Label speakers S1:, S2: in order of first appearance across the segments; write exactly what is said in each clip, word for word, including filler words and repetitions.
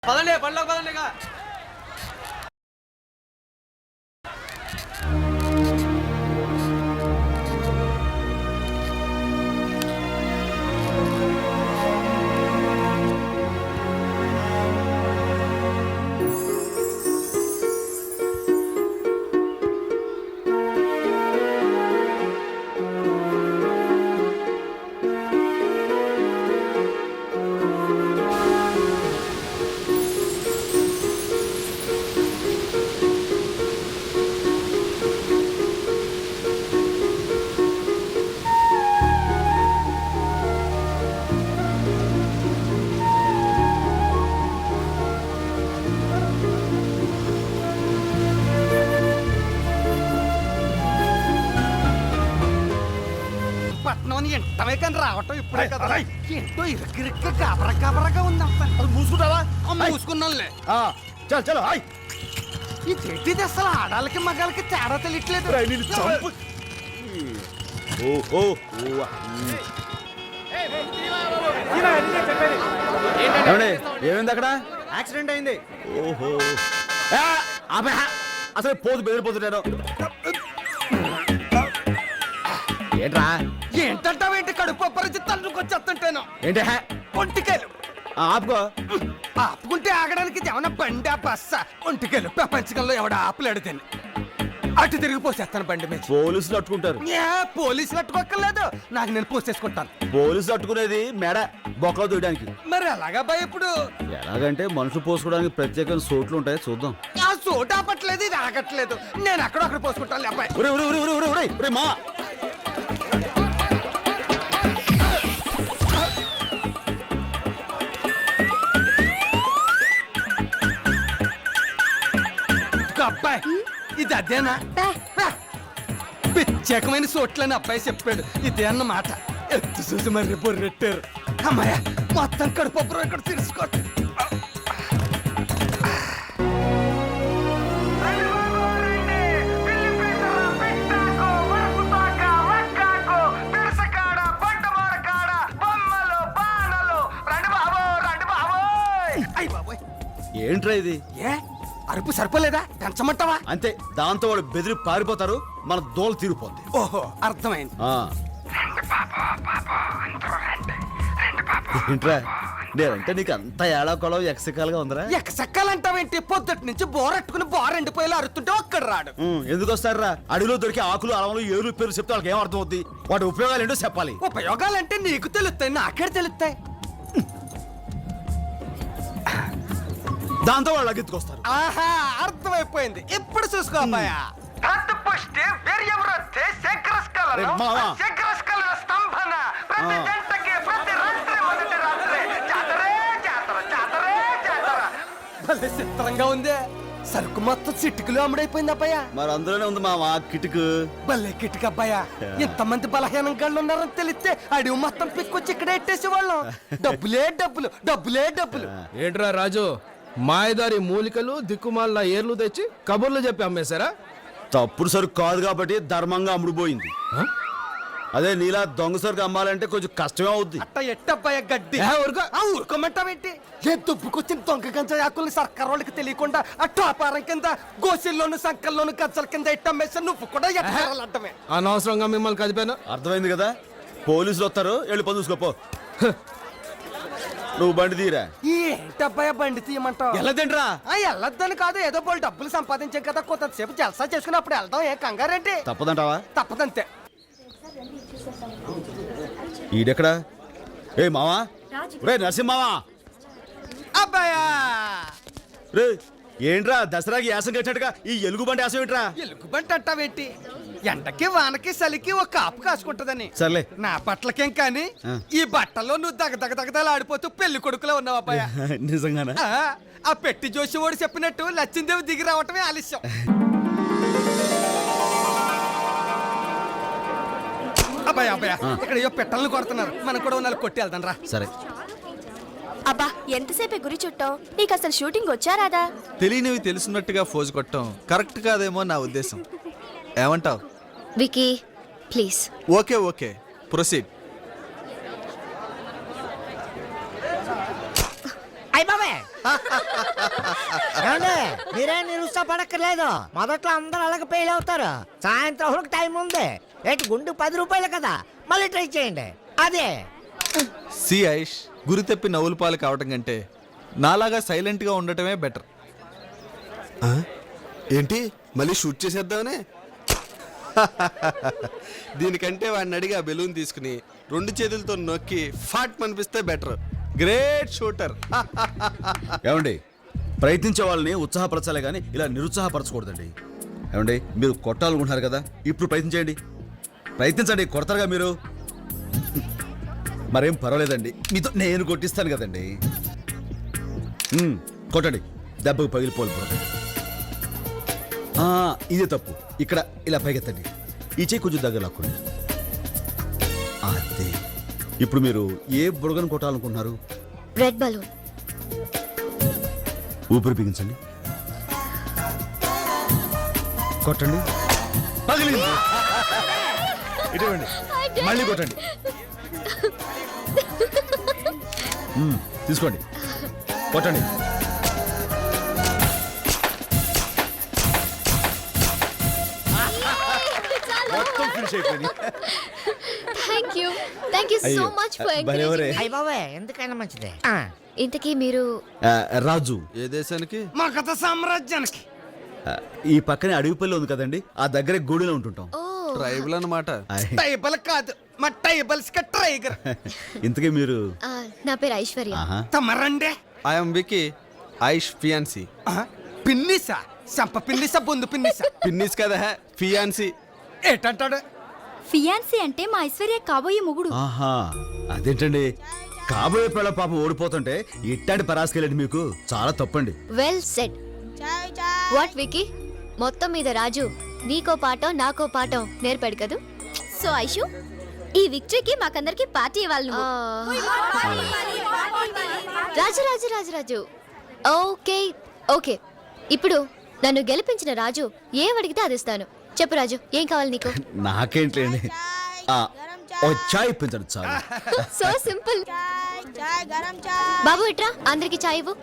S1: పదండి పనిలోకి పదండి ఇక. పట్నం ఎంటమే కానీ రావటం ఇప్పుడే కదా. ఏంటో ఇరక్కిరిక్క కాబర కాబరగా ఉందంతా.
S2: మూసుకుంటావా?
S1: మూసుకున్నానులే.
S2: చల్ చలో హాయ్.
S1: ఈ చెట్టిది అసలు ఆడాలకి మగాలకి తేడా తెలియట్లేదు.
S2: ఏమైంది అక్కడ?
S3: యాక్సిడెంట్ అయింది.
S2: ఓహో అసలు పోతు బెదిరిపోతున్నాను. ఏంట్రా?
S1: ఏంటంటావేంటి? కడుపు పరిస్థితి తల్లుకొచ్చేస్తుంటేను.
S2: ఏంటి
S1: ఒంటికెళ్ళు
S2: ఆపుకో.
S1: ఆపుకుంటే ఆగడానికి ఏమన్నా బండి బస్స? ఒంటికెళ్ళు ప్రపంచకంలో ఎవడ ఆపలేడు తిని అటు తిరిగి పోసేస్తాను బండి మీద.
S2: పోలీసులు అట్టుకుంటారు.
S1: ఏ పోలీసులు అట్టుకోక్కర్లేదు, నాకు నేను పోసేసుకుంటాను.
S2: పోలీసులు అట్టుకునేది మెడ బొక్కలు దూయడానికి.
S1: మరి ఎలాగా భయ ఇప్పుడు?
S2: ఎలాగంటే మనుషులు పోసుకోవడానికి ప్రత్యేకమైన సోట్లు ఉంటాయి, చూద్దాం.
S1: ఆ చోటు ఆపట్లేదు, ఇది ఆగట్లేదు. నేను అక్కడ అక్కడ పోసుకుంటాను అబ్బాయి.
S2: మా
S1: అబ్బాయి ఇది అదేనా? ప్రత్యేకమైన చోట్లని అబ్బాయి చెప్పాడు. ఇదే అన్నమాట. ఎత్తు చూసి మరి బొర్రెట్టారు. అమ్మాయ మొత్తం కడుపు ఇక్కడ తీసుకో.
S2: ఏంట్రా ఇది?
S1: ఏ అరుపు సరిపోలేదా? పెంచమంటావా?
S2: అంతే, దాంతో వాడు బెదిరి పారిపోతారు, మన దోలు తీరిపోద్ది.
S1: ఓహో అర్థమైంది.
S2: ఏంట్రా నేనంటే నీకు అంత ఏడా కొలం ఎక్సకాలుగా ఉందరా?
S1: ఎక్సక్కాలంటావేంటి? పొద్దుటి నుంచి బోరెట్టుకుని బోర ఎండిపోయేలా అరుతుంటే ఒక్కడ రాడు.
S2: ఎందుకు వస్తారా? అడవిలో దొరికి ఆకులు అలవలు ఏరు పేరు చెప్తే వాళ్ళకి ఏం అర్థం అవుద్ది? వాటి ఉపయోగాలు ఏంటో చెప్పాలి.
S1: ఉపయోగాలంటే నీకు తెలుస్తాయి, నాకే తెలుస్తాయి.
S2: దాంతో వాళ్ళు లగెత్తుకొస్తారు.
S1: ఆహా అర్థమైపోయింది. ఇప్పుడు చూసుకో అబ్బాయా. చిత్రంగా ఉంది. సరుకు మొత్తం చిట్టుకులు అమ్ముడైపోయింది అబ్బాయా.
S2: మరి అందులోనే ఉంది మావా కిటుకు.
S1: భలే కిటుకు అబ్బాయా. ఇంతమంది బలహీనం గళ్ళు ఉన్నారని తెలిస్తే అడివి మొత్తం పిక్కొచ్చి ఇక్కడ ఎట్టేసే వాళ్ళం. డబ్బులే డబ్బులు, డబ్బులే డబ్బులు.
S4: ఏంట్రా రాజు, మాయదారి మూలికలు దిక్కుమాల ఏర్లు తెచ్చి కబుర్లు చెప్పి అమ్మేశారా?
S2: తప్పుడు సరుకు కాదు కాబట్టి ధర్మంగా అమ్ముడుపోయింది. అదే నీలా దొంగ సరుకు అమ్మాలంటే కొంచెం కష్టమే అవుద్ది.
S1: అట్ట ఎట్టబ్బాయ గడ్డి ఊరుకోమంటావేంటి? ఏ దుబ్బుకొచ్చిన దొంగ గంజా ఆకుల్ని సర్కార్ వాళ్ళకి తెలియకుండా ఆ టాపారం కింద గోసిల్లోను సంకల్లోను గజ్జల కింద ఎట్టమ్మేసా నువ్వు కూడా ఎట్టాలంటమే.
S4: అనవసరంగా మిమ్మల్ని కదిపాను.
S2: అర్థమైంది కదా? పోలీసులు వస్తారు, వెళ్ళి పని చూసుకోపో. నువ్వు బండి తీరా.
S1: ఏంటబ్బాయ బండి తీయమంటావు?
S2: వెళ్ళదండ్రా.
S1: వెళ్ళొద్దని కాదు, ఏదో పోలు డబ్బులు సంపాదించాం కదా, కొంతసేపు జలసా చేసుకున్నప్పుడు వెళ్దాం. ఏ కంగారేంటి?
S2: తప్పదంటావా?
S1: తప్పదంతే.
S2: ఈడెక్కడా? ఏ మావా, రే నరసింహావా.
S1: అబ్బాయా
S2: రే ఏంట్రా దసరాకి యాసం కట్టినట్టుగా ఈ ఎలుగు బండి యాసం ఏంట్రా?
S1: ఎలుగు బండి అంటావేంటి? ఎండకి వానకి చలికి ఒక కాపు కాసుకుంటదని.
S2: సర్లే,
S1: నా పట్లకేం కానీ ఈ బట్టల్లో నువ్వు దగ దగ దగదలు ఆడిపోతూ పెళ్లి కొడుకులో ఉన్నావు అబ్బాయ.
S2: నిజంగానా?
S1: ఆ పెట్టి జోషి ఓడి చెప్పినట్టు లచ్చిందేవి దిగి రావటమే ఆలస్యం. అబ్బాయి అబ్బాయ ఇక్కడ ఏ పెట్టలను కొడుతున్నారు, మనం కూడా నాలుగు కొట్టి వెళ్దాం రా.
S2: సరే.
S5: అబ్బా ఎంతసేపే గురి చుట్టావు? నీకు అసలు షూటింగ్ వచ్చారాదా?
S3: తెలియనివి తెలుసున్నట్టుగా ఫోజు కొట్టడం కరెక్ట్ కాదేమో నా ఉద్దేశం. ఏమంటావ్
S5: Vicky? Please.
S3: Okay okay proceed.
S1: అయ్య బాబాయ్
S6: ఏమండి మీరేం నిరుత్సాహపడక్కర్లేదు. మొదట్లో అందరూ అలాగే ఫెయిల్ అవుతారు. సాయంత్రం వరకు టైం ఉంది. ఏంటి గుండు పది రూపాయలు కదా, మళ్ళీ ట్రై చేయండి. అదే
S3: సి ఐష్, గురి తప్పి నవ్వుల పాలు కావటం కంటే నాలాగా సైలెంట్ గా ఉండటమే బెటర్.
S7: ఏంటి మళ్ళీ షూట్ చేసేద్దామనే? దీనికంటే వాడిని అడిగి ఆ బెలూన్ తీసుకుని రెండు చేతులతో నొక్కి ఫాట్ మనిపిస్తే బెటర్. Great shooter.
S2: ఏమండి, ప్రయత్నించే వాళ్ళని ఉత్సాహపరచాలి కానీ ఇలా నిరుత్సాహపరచకూడదండి. ఏమండి, మీరు కొట్టాలనుకుంటున్నారు కదా, ఇప్పుడు ప్రయత్నించండి. ప్రయత్నించండి, కొడతారుగా మీరు. మరేం పర్వాలేదండి, మీతో నేను కొట్టిస్తాను కదండి. ఉమ్, కొట్టండి, దెబ్బకు పగిలిపోలు. ఇదే తప్పు. ఇక్కడ ఇలా పైకెత్తండి, ఈ చేయి కొంచెం దగ్గర లాక్కోండి. అదే. ఇప్పుడు మీరు ఏ బుడగను కొట్టాలనుకుంటున్నారు?
S5: Red balloon.
S2: ఊపిరి బిగించండి, కొట్టండి. పగిలింది. ఇటువంటి మళ్ళీ కొట్టండి. మ్మ్, తీసుకోండి, కొట్టండి. మొత్తం ఫినిష్ అయిపోయింది.
S5: Thank you thank you so much for
S2: భలేవరే.
S6: అయ్య బాబాయ్ ఎందుకైనా మంచిదే. ఆ,
S5: ఇంతకీ మీరు
S2: ఆ, రాజు,
S3: ఏ దేశానికి?
S1: మా కథ సామ్రాజ్యానికి.
S2: ఆ, ఈ పక్కనే అడవిపల్లి ఉంది కదండి, ఆ దగ్గరే గూడిలో ఉంటుంటాం.
S5: ఓ
S3: ట్రైబల్ అన్నమాట.
S2: ఆయ్.
S1: టైబల్ కాదు, మా టైబల్స్ కి టైగర్.
S2: ఇంతకీ మీరు?
S5: ఆ, నా పేరు ఐశ్వర్య.
S2: ఆహా.
S1: తమరండే
S3: ఐఎమ్ వికీ, ఐష్ ఫియాన్సీ.
S1: పిన్నిసా, సంప పిన్నిసా, బొందు పిన్నిసా.
S3: పిన్నిస్ కదా, ఫియాన్సీ.
S1: ఏటంటాడు?
S5: ఫియాన్సీ అంటే మా ఐశ్వర్య కాబోయే మొగుడు.
S2: ఆహా, అదేంటండి, కాబోయే పిల్ల పాపం ఓడిపోతుంటే ఇట్టాంటి పరాసుకెళ్ళండి, మీకు చాలా తప్పండి.
S5: Well said. వాట్ వికీ, మొత్తం మీద రాజు నీకో పాఠం నాకో పాఠం నేర్పాడు కదూ. సో ఐషు, ఈ విక్టరీకి మాకందరికి పార్టీ ఇవ్వాలి నువ్వు. Raju Raju Raju Raju okay okay. ఇప్పుడు నన్ను గెలిపించిన రాజు ఏం అడిగితే అది ఇస్తాను. చెప్పు రాజు, ఏం కావాలి నీకు?
S2: నాకేంటండి, ఆ, ఓ చాయ్ ఇప్పించండి చాలు.
S5: So simple. బాబు ఇట్రా, అందరికి చాయ్ ఇవ్వు.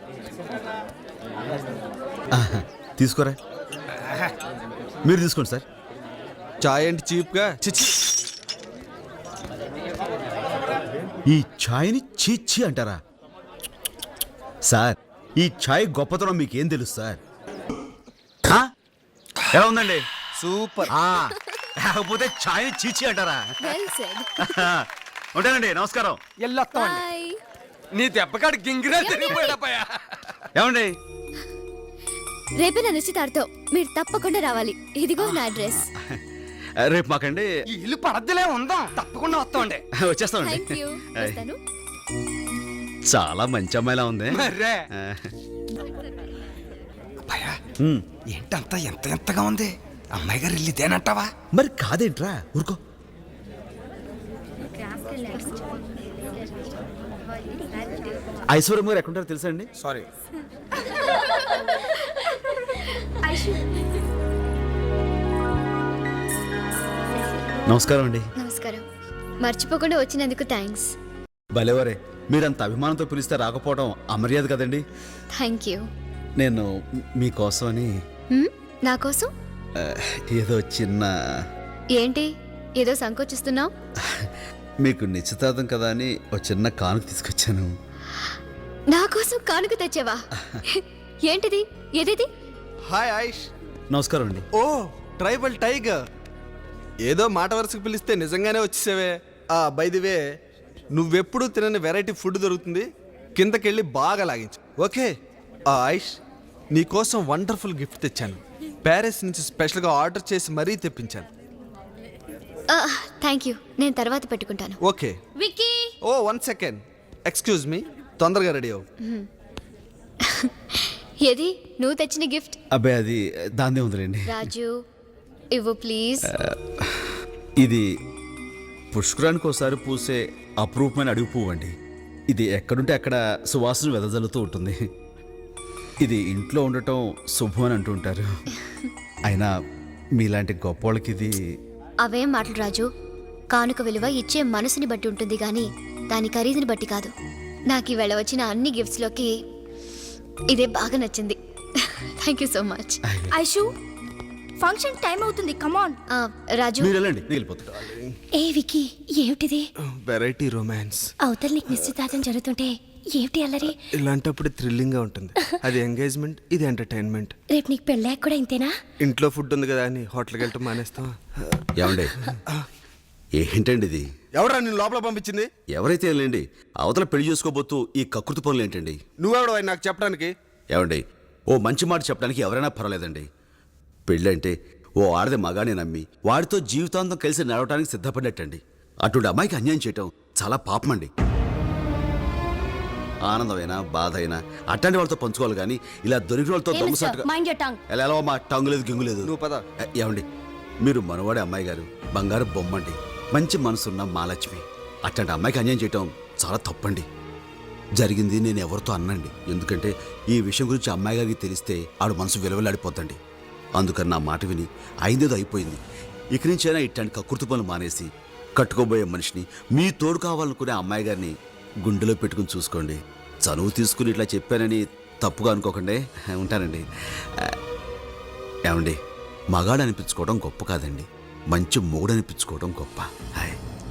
S2: ఆహా, తీసుకోరా. మీరు తీసుకోండి సార్.
S3: చాయ్ అంటే చీప్ గా. చిచి.
S2: ఈ ఛాయ్ని చీచి అంటారా సార్? ఈ ఛాయ్ గొప్పతనం మీకేం తెలుసు సార్? ఆ? ఎలా ఉందండి?
S3: సూపర్.
S2: ఆ, లేకపోతే ఛాయ్ని చీచి అంటారా?
S5: Well said.
S2: ఉంటానండి, నమస్కారం.
S1: ఎల్లొస్తామండి.
S5: బై.
S1: నీ దెబ్బకాడు గింగిరా తిరిగిపోయాడపోయా.
S2: ఏమండి,
S5: రేపే నా నిశ్చితార్థం, మీరు తప్పకుండా రావాలి. ఇదిగో నా అడ్రస్.
S2: రేపు మాకండి.
S1: ఈ ఇల్లు పడద్దులే ఉందాం, తప్పకుండా వస్తామండి.
S2: వచ్చేస్తామండి.
S5: Thank you. వస్తాను.
S2: చాలా మంచి అమ్మాయిలా ఉంది.
S1: మర్రే
S2: ఆ,
S1: అబ్బాయా,
S2: ఉమ్,
S1: ఏంటంతా ఎంత ఎంతగా ఉంది? అమ్మాయి గారు ఇల్లు ఇదేనంటావా?
S2: మరి కాదేంట్రా, ఊరుకో. ఐశ్వర్యం గారు ఎక్కడుంటారో తెలుసా అండి?
S1: సారీ.
S2: నమస్కారం అండి.
S5: నమస్కారం. మర్చిపోకుండా వచ్చినందుకు థ్యాంక్స్.
S2: భలేవరే, మీరంత అభిమానంతో పిలిస్తే రాకపోవడం అమర్యాద కదండి.
S5: Thank you.
S2: నేను మీకోసమని
S5: హ్మ్? నా కోసం
S2: ఆ, ఏదో చిన్న,
S5: ఏంటి ఏదో సంకోచిస్తున్నావు?
S2: మీకు నిశ్చితార్థం కదా అని ఒక చిన్న కానుక తీసుకొచ్చాను.
S5: నా కోసం కానుక తెచ్చావా? ఏంటిది? ఏదేది?
S3: హాయ్ ఐష్.
S2: నమస్కారం అండి.
S3: ఓ ట్రైబల్ టైగర్. ఏదో మాట వరుసకు పిలిస్తే నిజంగానే వచ్చేసావే. ఆ బై ది వే, నువ్వెప్పుడు తినని వెరైటీ ఫుడ్ దొరుకుతుంది, కిందకెళ్ళి బాగా లాగించు. ఓకే. ఆ ఐష్, నీకోసం వండర్ఫుల్ గిఫ్ట్ తెచ్చాను. ప్యారిస్ నుంచి స్పెషల్గా ఆర్డర్ చేసి మరీ తెప్పించాను.
S5: థ్యాంక్ యూ, నేను తర్వాత పెట్టుకుంటాను.
S3: ఓకే.
S5: విక్కీ.
S3: ఓ వన్ సెకండ్, ఎక్స్క్యూజ్ మీ, తొందరగా రెడీ అవ్వు.
S5: ఏది నువ్వు తెచ్చిన గిఫ్ట్?
S2: అబ్బాయి అది దాందే ఉందిలేండి.
S5: రాజు ఇవ్వు ప్లీజ్.
S2: ఇది పుష్కరానికి ఒకసారి పూసే అపురూపమైన అడుగు పువ్వు అండి. ఇది ఎక్కడుంటే అక్కడ సువాసన వెదజల్లుతూ ఉంటుంది. ఇది ఇంట్లో ఉండటం శుభం అని అంటుంటారు. అయినా మీలాంటి గొప్ప వాళ్ళకి ఇది.
S5: అవేం మాటలు రాజు, కానుక విలువ ఇచ్చే మనసుని బట్టి ఉంటుంది గాని దాని ఖరీదుని బట్టి కాదు. నాకు ఈవేళ వచ్చిన అన్ని గిఫ్ట్స్లోకి ఇదే బాగా నచ్చింది. Thank you so much.
S8: Aishu function time అవుతుంది, కమాన్.
S5: రాజు
S2: మీరు వెళ్ళండి, నేను వెళ్ళిపోతా.
S8: ఏ వికీ, ఏమిటిది?
S3: Variety romance.
S8: అవతల నీకు నిశ్చితార్థం జరుగుతుంటే ఏమిటి అల్లరి?
S3: ఇలాంటప్పుడు థ్రిల్లింగ్ గా ఉంటుంది. అది ఎంగేజ్మెంట్, ఇది ఎంటర్టైన్మెంట్.
S8: రేపు నీకు పెళ్ళాక కూడా ఇంతేనా?
S3: ఇంట్లో ఫుడ్ ఉంది కదా అని హోటల్కి వెళ్ళటం మానేస్తాం.
S2: ఏమండి ఏంటండి ఇది?
S3: ఎవరా నేను లోపల పంపించింది?
S2: ఎవరైతే వెళ్ళండి, అవతల పెళ్లి చేసుకోబోతూ ఈ కకృతి పనులు ఏంటండి?
S3: నువ్వెవడు ఆయన నాకు చెప్పడానికి?
S2: ఏమండి, ఓ మంచి మాట చెప్పడానికి ఎవరైనా పర్వాలేదండి. పెళ్ళంటే ఓ ఆడది మగానే నమ్మి వాడితో జీవితాంతం కలిసి నడవడానికి సిద్ధపడ్డట్టండి. అటువంటి అమ్మాయికి అన్యాయం చేయటం చాలా పాపమండి. ఆనందమైనా బాధ అయినా అట్లాంటి వాళ్ళతో పంచుకోవాలి కానీ ఇలా దొరికిన వాళ్ళతో దొంగసాటుగా
S8: మైండ్ యూర్ టంగ్.
S2: ఎలా ఎలా మా టంగు లేదు గింగు లేదు.
S3: నువ్వు పద.
S2: ఏ- ఏమండి, మీరు మనవాడే అమ్మాయి గారు, బంగారు బొమ్మండి, మంచి మనసున్న మాలక్ష్మి. అట్లాంటి అమ్మాయికి అన్యాయం చేయటం చాలా తప్పండి. జరిగింది నేను ఎవరితో అన్నండి, ఎందుకంటే ఈ విషయం గురించి అమ్మాయి గారికి తెలిస్తే ఆడు మనసు విలువలాడిపోతండి. అందుకని నా మాట విని అయిందేదో అయిపోయింది. ఇక నుంచైనా ఇట్లాంటి కకృతి పనులు మానేసి కట్టుకోబోయే మనిషిని, మీ తోడు కావాలనుకునే అమ్మాయి గారిని గుండెలో పెట్టుకుని చూసుకోండి. చనువు తీసుకుని ఇట్లా చెప్పానని తప్పుగా అనుకోకండి. ఉంటానండి. ఏమండి, మగాడు అనిపించుకోవడం గొప్ప కాదండి, మంచి మొగుడు అనిపించుకోవడం గొప్ప. హాయ్.